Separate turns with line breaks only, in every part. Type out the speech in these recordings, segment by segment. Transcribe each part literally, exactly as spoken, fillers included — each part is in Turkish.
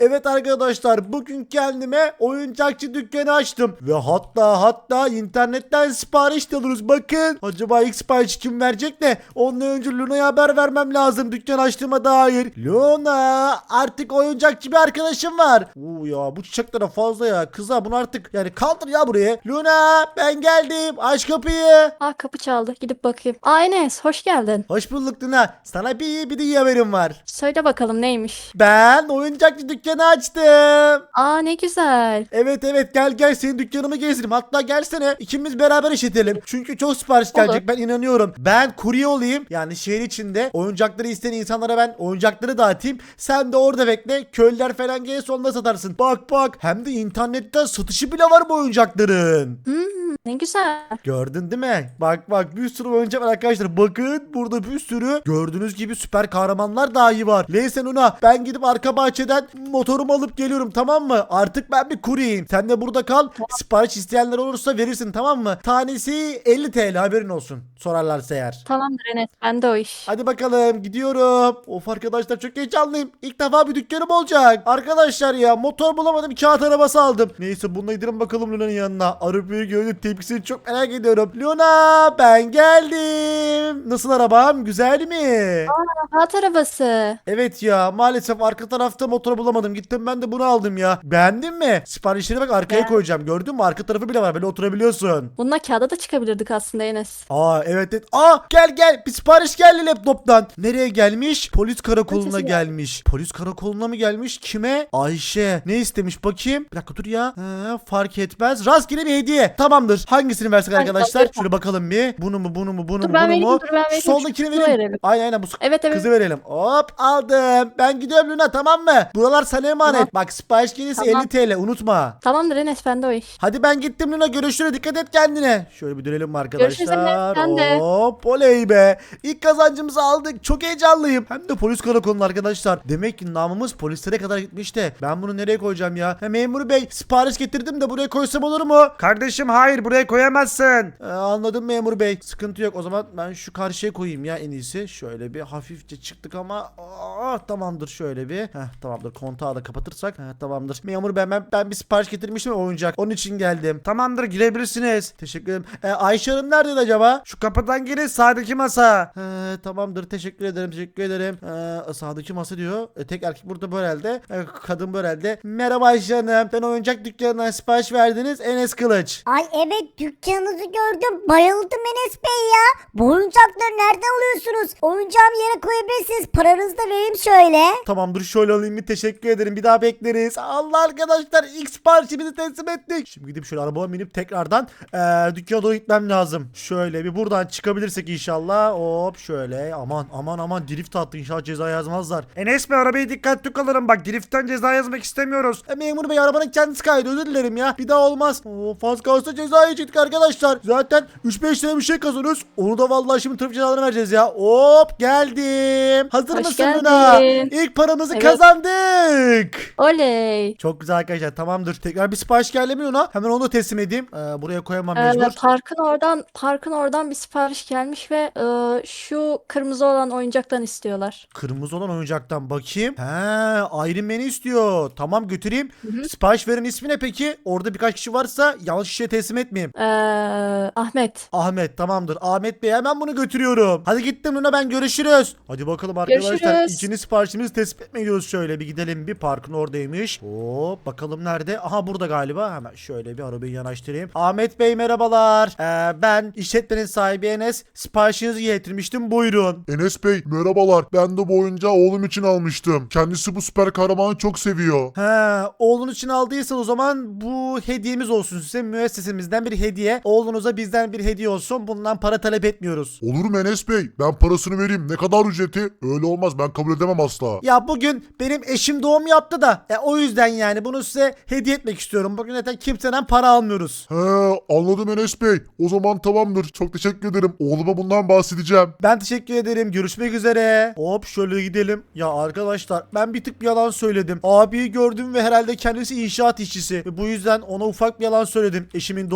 Evet arkadaşlar, bugün kendime oyuncakçı dükkanı açtım. Ve hatta hatta internetten sipariş de alırız. Bakın, acaba ilk siparişi kim verecek de ondan önce Luna'ya haber vermem lazım dükkan açtığıma dair. Luna, artık oyuncakçı bir arkadaşım var. Oo ya, bu çiçekler fazla ya. Kıza bunu artık yani kaldır ya buraya. Luna, ben geldim, aç kapıyı.
Aa, kapı çaldı. Gidip bakayım. Aa, Enes, hoş geldin.
Hoş bulduk Luna. Sana bir iyi bir de iyi haberim var.
Söyle bakalım neymiş?
Ben oyuncakçı dükkanı açtım.
Aa, ne güzel.
Evet evet, gel gel senin dükkanımı gezdireyim. Hatta gelsene ikimiz beraber işletelim. Çünkü çok sipariş gelecek,
Olur.
ben inanıyorum. Ben kurye olayım. Yani şehir içinde oyuncakları isteyen insanlara ben oyuncakları dağıtayım. Sen de orada bekle. Köylüler falan gelirse onda satarsın. Bak bak, hem de internetten satışı bile var bu oyuncakların.
Hmm, ne güzel.
Gördün değil mi? Bak bak, bir sürü oyuncak var arkadaşlar. Bakın burada bir sürü gördüğünüz gibi süper kahramanlar dahi var. Neyse Luna, ben gidip arka bahçeden motorumu alıp geliyorum, tamam mı? Artık ben bir kuryeyim. Sen de burada kal. Sipariş isteyenler olursa verirsin, tamam mı? Tanesi elli T L, haberin olsun. Sorarlarsa eğer.
Tamamdır Enes, bende o iş.
Hadi bakalım, gidiyorum. Of arkadaşlar, çok heyecanlıyım. İlk defa bir dükkanım olacak. Arkadaşlar ya, motor bulamadım, kağıt arabası aldım. Neyse, bununla gidelim bakalım Luna'nın yanına. Arabayı gördüm, tepkisini çok merak ediyorum. Luna, ben geldim. Nasıl arabam, güzel mi?
Rahat arabası.
Evet ya, maalesef arka tarafta motor bulamadım. Gittim ben de bunu aldım ya. Beğendin mi? Siparişleri bak arkaya
Beğendim.
koyacağım. Gördün mü? Arka tarafı bile var. Böyle oturabiliyorsun.
Bununla kağıda da çıkabilirdik aslında Enes.
Aa evet evet. Aa, gel gel. Bir sipariş geldi laptoptan. Nereye gelmiş? Polis karakoluna
Ötesi
gelmiş. Polis karakoluna mı gelmiş? Kime? Ayşe. Ne istemiş bakayım? Bir dakika dur ya. He, fark etmez. Rastgele bir hediye. Tamamdır. Hangisini versek
Hadi
arkadaşlar?
bakalım.
Şöyle bakalım bir. Bunu mu bunu mu bunu
Dur
mu
ben
bunu
vereyim,
mu?
dur ben vereyim.
Şu soldakini
Şunu
vereyim.
verelim.
Aynen aynen, bu
Evet evet.
kızı verelim. Hop, aldım. Ben gidiyorum Luna, tamam mı? Buralar sana emanet.
Tamam.
Bak, sipariş gelirse
Tamam.
elli T L, unutma.
Tamamdır Enes, bende o iş.
Hadi ben gittim Luna, görüşürüz, dikkat et kendine. Şöyle bir dönelim mi
Görüşürüz
arkadaşlar?
Enes, sen de.
Hop, oley be. İlk kazancımızı aldık, çok heyecanlıyım. Hem de polis karakolunda arkadaşlar. Demek ki namımız polislere kadar gitmiş de. Ben bunu nereye koyacağım ya? Ha, memur bey, sipariş getirdim de buraya koysam olur mu? Kardeşim hayır, buraya koyamazsın. Ee, anladım memur bey, sıkıntı yok. O zaman ben şu karşıya koyayım ya en iyisi. Şöyle bir hafifçe çıktık ama Aa, tamamdır, şöyle bir. Heh, tamamdır, kontağı da kapatırsak. Heh, tamamdır. Memur bey, ben, ben bir sipariş getirmiştim, oyuncak. Onun için geldim. Tamamdır, girebilirsiniz. Teşekkür ederim. Ee, Ayşe Hanım nerede acaba? Şu kapıdan girin, sağdaki masa. He, tamamdır, teşekkür ederim teşekkür ederim. Ee, sağdaki masa diyor. E, tek erkek burada bu herhalde. E, kadın bu herhalde. Merhaba Ayşe Hanım. Ben oyuncak dükkanından sipariş verdiniz. Enes Kılıç.
Ay evet, dükkanınızı gördüm. Bayıldım Enes Bey ya. Bu oyuncakları nereden alıyorsunuz? Oyuncağımı yere koyabilirsiniz. Paranızı da vereyim şöyle.
Tamamdır, şöyle alayım, bir teşekkür ederim. Bir daha bekleriz. Allah arkadaşlar, ilk siparişimizi teslim ettik. Şimdi gidip şöyle arabama binip tekrardan ee, dükkana doğru gitmem lazım. Şöyle bir buradan çıkabilirsek inşallah. Hop şöyle, aman aman aman, drift attı, inşallah ceza yazmazlar. Enes Bey, arabayı dikkatli kullanın, bak driftten ceza yazmak istemiyoruz. E, memur bey, arabanın kendisi kaydı, özür dilerim ya. Bir daha olmaz. Of, az kalsın ceza yiyecektik arkadaşlar. Zaten üç beş lira bir şey kazanıyoruz. Onu da vallahi şimdi trafik cezalarını vereceğiz ya. Hop, geldim. Hazır
Hoş
mısın Luna?
geldin.
İlk paramızı
Evet.
kazandık.
Oley.
Çok güzel arkadaşlar, tamamdır. Tekrar bir sipariş geldi mi Luna? Hemen onu da teslim edeyim. Ee, buraya koyamam
Ee,
mecbur.
parkın oradan parkın oradan bir sipariş gelmiş ve e, şu kırmızı olan oyuncaktan istiyorlar.
Kırmızı olan oyuncaktan bakayım. He, Iron Man'i istiyor. Tamam, götüreyim.
Hı hı.
Sipariş veren ismi ne peki? Orada birkaç kişi varsa yanlış kişiye teslim etmeyeyim.
Ee, Ahmet.
Ahmet, tamamdır. Ahmet Bey, hemen bunu götürüyorum. Hadi gittim Luna, ben görüşürüz. Hadi bakalım arkadaşlar.
Görüşürüz.
İkinci siparişimizi teslim etmeye gidiyoruz. Şöyle bir gidelim, bir parkın oradaymış. Hop, bakalım nerede? Aha, burada galiba. Hemen şöyle bir arabayı yanaştırayım. Ahmet Bey merhabalar. Ee, ben işletmenin sahibi Enes. Siparişinizi getirmiştim, buyurun.
Enes Bey merhabalar. Ben de bu oyuncağı oğlum için almıştım. Kendisi bu süper kahramanı çok seviyor.
He, oğlunuz için aldıysan o zaman bu hediyemiz olsun size. Müessesemizden bir hediye. Oğlunuza bizden bir hediye olsun. Bundan para talep etmiyoruz.
Olur mu Enes Bey? Ben parasını vereyim. Ne kadar ücreti? Öyle olmaz. Ben kabul edemem asla.
Ya bugün benim eşim doğum yaptı da e, o yüzden yani bunu size hediye etmek istiyorum. Bugün zaten kimseden para almıyoruz.
He, anladım Enes Bey. O zaman tamamdır. Çok teşekkür ederim. Oğluma bundan bahsedeceğim.
Ben teşekkür ederim. Görüşmek üzere. Hop şöyle gidelim. Ya arkadaşlar, ben bir tık bir yalan söyledim. Abiyi gördüm ve herhalde kendisi inşaat işçisi. Ve bu yüzden ona ufak bir yalan söyledim. Eşimin doğum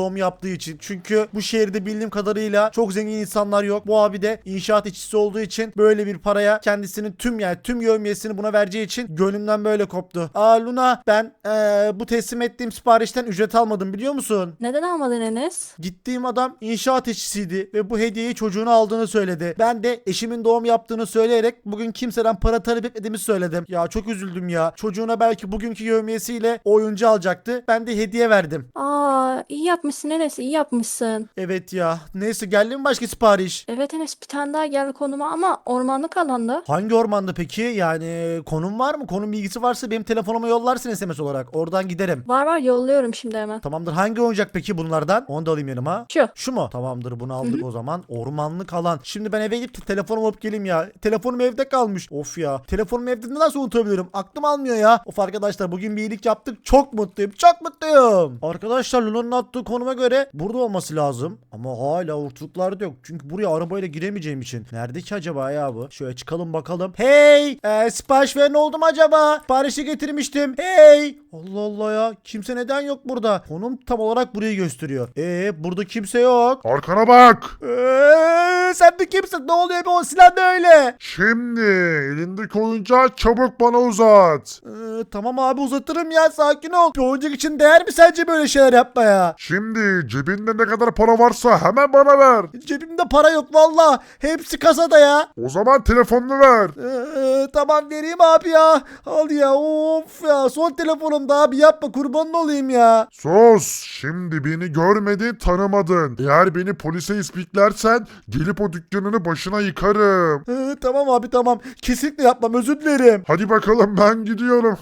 doğum yaptığı için. Çünkü bu şehirde bildiğim kadarıyla çok zengin insanlar yok. Bu abi de inşaat işçisi olduğu için böyle bir paraya kendisinin tüm yani tüm yevmiyesini buna vereceği için gönlümden böyle koptu. Aa Luna, ben ee, bu teslim ettiğim siparişten ücret almadım, biliyor musun?
Neden almadın Enes?
Gittiğim adam inşaat işçisiydi ve bu hediyeyi çocuğuna aldığını söyledi. Ben de eşimin doğum yaptığını söyleyerek bugün kimseden para talep etmediğimi söyledim. Ya çok üzüldüm ya. Çocuğuna belki bugünkü yevmiyesiyle oyuncu alacaktı. Ben de hediye verdim.
Aa, iyi yapmışsın Enes, iyi yapmışsın.
Evet ya. Neyse, geldi mi başka sipariş?
Evet Enes, bir tane daha geldi konuma ama ormanlık alanda.
Hangi ormanda peki? Yani konum var mı? Konum bilgisi varsa benim telefonuma yollarsın S M S olarak. Oradan giderim.
Var var, yolluyorum şimdi hemen.
Tamamdır. Hangi oyuncak peki bunlardan? Onu da alayım yanıma.
Şu.
Şu mu? Tamamdır, bunu aldık o zaman. Ormanlık alan. Şimdi ben eve gidip telefonumu alıp geleyim ya. Telefonum evde kalmış. Of ya. Telefonumu evde nasıl unutabilirim? Aklım almıyor ya. Of arkadaşlar, bugün bir iyilik yaptık. Çok mutluyum. Çok mutluyum. Arkadaşlar, Luna'nın attığı konuma göre burada olması lazım. Ama hala ortalıklarda yok. Çünkü buraya arabayla giremeyeceğim için. Nerede ki acaba ya bu? Şöyle çıkalım bakalım. Hey! Ee, sipariş veren oldu mu acaba? Siparişi getirmiştim. Hey! Allah Allah ya. Kimse neden yok burada? Konum tam olarak burayı gösteriyor. Ee, burada kimse yok.
Arkana bak.
Ee, sen de kimsin? Ne oluyor be, o silah ne öyle?
Şimdi elindeki oyuncağı çabuk bana uzat.
Ee, tamam abi, uzatırım ya, sakin ol. Bir oyuncak için değer mi sence böyle şeyler yapmaya?
Şimdi cebinde ne kadar para varsa hemen bana ver.
Cebimde para yok valla. Hepsi kasada ya.
O zaman telefonunu ver.
Ee, tamam, vereyim abi ya. Al ya, of ya. Son telefonum da abi, yapma, kurbanın olayım ya.
Sus. Şimdi beni görmedin, tanımadın. Eğer beni polise ispiklersen gelip o dükkanını başına yıkarım.
Ee, tamam abi, tamam. Kesinlikle yapmam, özür dilerim.
Hadi bakalım, ben gidiyorum.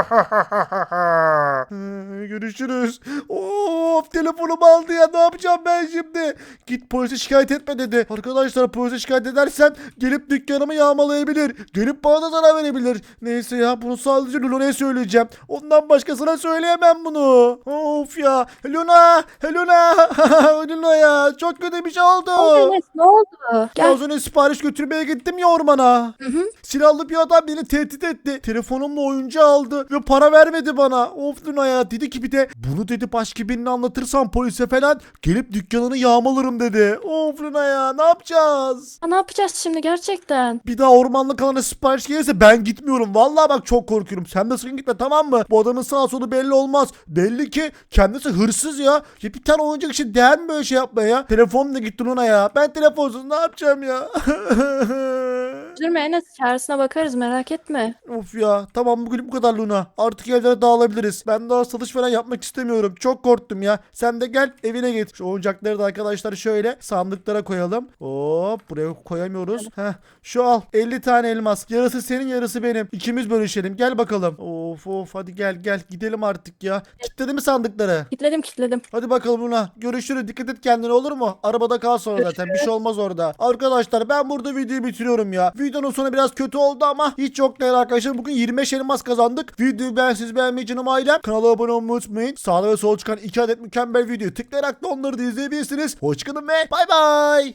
Ee, görüşürüz. Of, telefonumu aldı ya, ne yapacağım ben şimdi? Git polise şikayet etme dedi. Arkadaşlar, polise şikayet edersen gelip dükkanımı yağmalayabilir. Gelip bana da zarar verebilir. Neyse ya, bunu sadece Luna'ya söyleyeceğim. Ondan başkasına söyleyemem bunu. Of ya. Luna. Luna. Luna ya. Çok kötü bir şey oldu.
Aa, Enes ne oldu?
Ya
Gel.
az önce sipariş götürmeye gittim ya ormana.
Hı hı.
Silahlı bir adam beni tehdit etti. Telefonumla oyuncu aldı ve para vermedi bana. Of Luna ya, dedi ki bir de bunu dedi başka birine anlatırsam polise falan gelip dükkanını yağmalarım dedi. Of Luna ya, ne yapacağız?
Aa, ne yapacağız şimdi gerçekten?
Bir daha ormanlık alana sipariş gelirse ben gitmiyorum. Vallahi bak, çok korkuyorum. Sen de sakın gitme, tamam mı? Bu adamın sağ solu belli olmaz. Belli ki kendisi hırsız ya. Ya bir tane oyuncak için değer mi böyle şey yapmaya ya? Telefonum da gitti Luna ya. Ben telefonsuz ne yapacağım ya?
Üzülme Enes, çaresine bakarız, merak etme.
Of ya, tamam, bugün bu kadar Luna. Artık evlere dağılabiliriz. Ben daha satış falan yapmak istemiyorum. Çok korktum ya. Sen de gel evine git. Şu oyuncakları da arkadaşlar şöyle sandıklara koyalım. Hop, buraya koyamıyoruz. Heh, şu al elli tane elmas. Yarısı senin, yarısı benim. İkimiz bölüşelim. Gel bakalım. Of of, hadi gel gel gidelim artık ya. Kilitledi mi sandıkları?
Kitledim kitledim.
Hadi bakalım Luna. Görüşürüz. Dikkat et kendine, olur mu? Arabada kal sonra zaten. Bir şey olmaz orada. Arkadaşlar, ben burada videoyu bitiriyorum ya. Videonun sonu biraz kötü oldu ama hiç yok değil arkadaşlar. Bugün yirmi beş elmas kazandık. Videoyu ben siz beğenmeyi, canım ailem. Kanala abone olmayı unutmayın. Sağda ve solda çıkan iki adet mükemmel video tıklayarak da onları da izleyebilirsiniz. Hoşçakalın ve bay bay.